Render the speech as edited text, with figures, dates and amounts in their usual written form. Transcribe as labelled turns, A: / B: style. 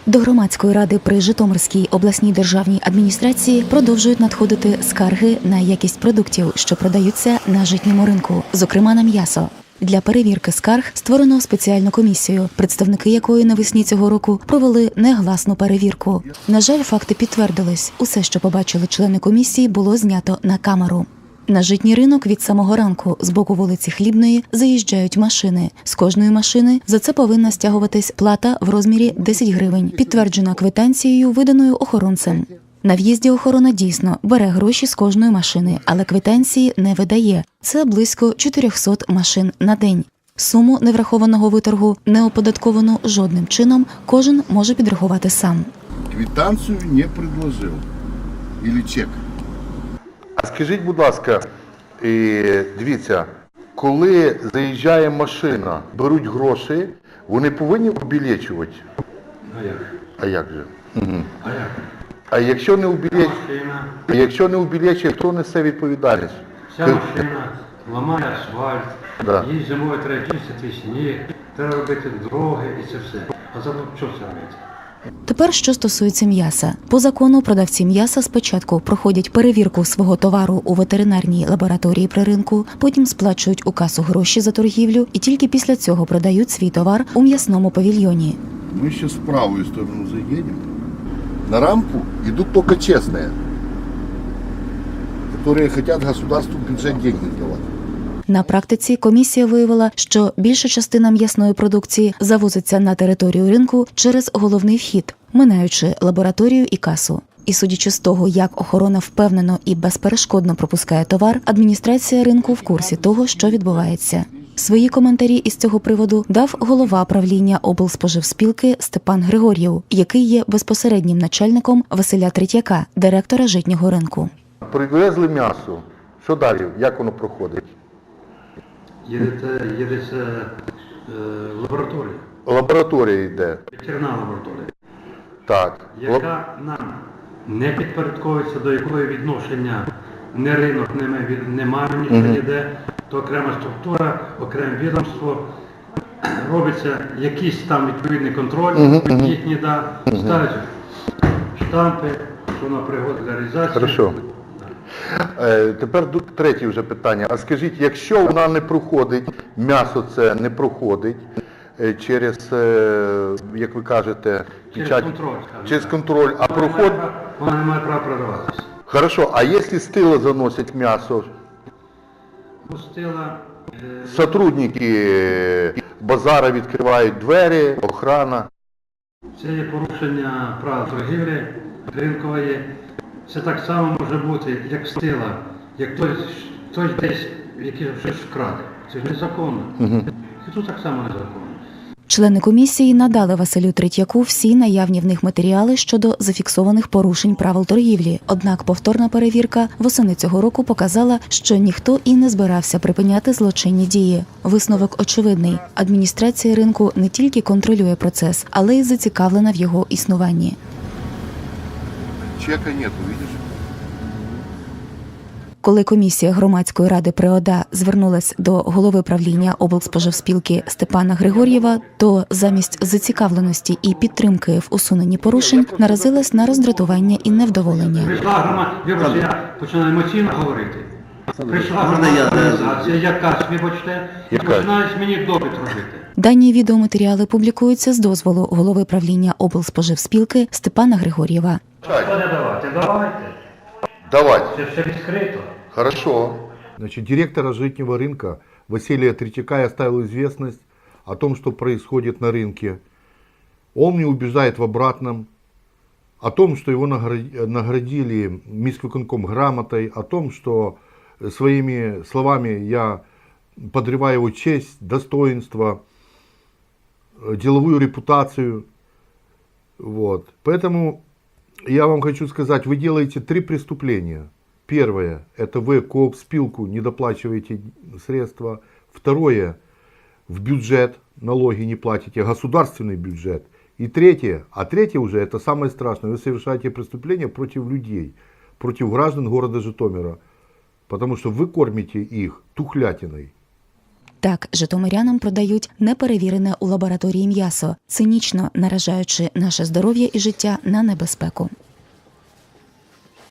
A: До громадської ради при Житомирській обласній державній адміністрації продовжують надходити скарги на якість продуктів, що продаються на житньому ринку, зокрема на м'ясо. Для перевірки скарг створено спеціальну комісію, представники якої навесні цього року провели негласну перевірку. На жаль, факти підтвердились. Усе, що побачили члени комісії, було знято на камеру. На житній ринок від самого ранку з боку вулиці Хлібної заїжджають машини. З кожної машини за це повинна стягуватись плата в розмірі 10 гривень, підтверджена квитанцією, виданою охоронцем. На в'їзді охорона дійсно бере гроші з кожної машини, але квитанції не видає. Це близько 400 машин на день. Суму неврахованого виторгу не оподатковано жодним чином, кожен може підрахувати сам.
B: Квитанцію не предложив. Или чек.
C: А скажіть, будь ласка, дивіться, коли заїжджає машина, беруть гроші, вони повинні обілечувати? А як же? Угу. А якщо не обілечує, хто несе відповідальність?
D: Вся машина ламає асфальт, їй зимою треба чистити сніг, треба робити дороги і це все. А за що це робити?
A: Тепер, що стосується м'яса. По закону продавці м'яса спочатку проходять перевірку свого товару у ветеринарній лабораторії при ринку, потім сплачують у касу гроші за торгівлю і тільки після цього продають свій товар у м'ясному павільйоні.
B: Ми ще в правую сторону заїдемо. На рамку йдуть тільки чесні, які хочуть государству в бюджет деньги давати.
A: На практиці комісія виявила, що більша частина м'ясної продукції завозиться на територію ринку через головний вхід, минаючи лабораторію і касу. І судячи з того, як охорона впевнено і безперешкодно пропускає товар, адміністрація ринку в курсі того, що відбувається. Свої коментарі із цього приводу дав голова правління облспоживспілки Степан Григор'єв, який є безпосереднім начальником Василя Третьяка, директора житнього ринку.
C: Привезли м'ясо. Що далі? Як воно проходить?
D: Їдеться в лабораторію.
C: Лабораторія йде.
D: Ветеринарна лабораторія.
C: Так.
D: Яка нам не підпорядковується, до якої відношення не ринок, немає ніхто ніде, то окрема структура, окреме відомство, робиться якийсь там відповідний контроль, їхні ставлять штампи, що воно пригодне для реалізації.
C: Хорошо. Тепер третє вже питання. А скажіть, якщо вона не проходить, м'ясо це не проходить через, як ви кажете, через контроль, а проходить...
D: Вона не має права продаватися.
C: Хорошо, а якщо з тила заносять м'ясо?
D: З тила...
C: Сотрудники базара відкривають двері, охрана.
D: Це є порушення правил торгівлі ринкової. Це так само може бути, як з тила, як хтось десь якийсь щось вкраде. Це ж незаконно. І тут так само незаконно.
A: Члени комісії надали Василю Третьяку всі наявні в них матеріали щодо зафіксованих порушень правил торгівлі. Однак повторна перевірка восени цього року показала, що ніхто і не збирався припиняти злочинні дії. Висновок очевидний. Адміністрація ринку не тільки контролює процес, але й зацікавлена в його існуванні.
B: Чека нету, видиш?
A: Коли комісія громадської ради при ОДА звернулась до голови правління облспоживспілки Степана Григор'єва, то замість зацікавленості і підтримки в усуненні порушень наразилась на роздратування і невдоволення.
D: Прийшла громадська, я починаю емоційно говорити. Прийшла громадська організація, якась, вибачте, і починають мені допит робити.
A: Дані відеоматеріали публікуються з дозволу голови правління облспоживспілки Степана Григор'єва.
D: Що не давати? Давайте.
C: Давайте.
D: Це все відкрито.
C: Хорошо.
E: Значит, директора житнего рынка Василия Третьяка я оставил известность о том, что происходит на рынке. Он мне убеждает в обратном, о том, что его наградили міськвиконком грамотой, о том, что своими словами я подрываю его честь, достоинство, деловую репутацию. Вот. Поэтому я вам хочу сказать, вы делаете 3 преступления. Первое, это вы коопспилку не доплачиваете средства. Второе, в бюджет налоги не платите, государственный бюджет. И третье, а третье уже, это самое страшное, вы совершаете преступления против людей, против граждан города Житомира. Потому что вы кормите их тухлятиной.
A: Так, житомирянам продають неперевірене у лабораторії м'ясо, цинічно наражаючи наше здоров'я і життя на небезпеку.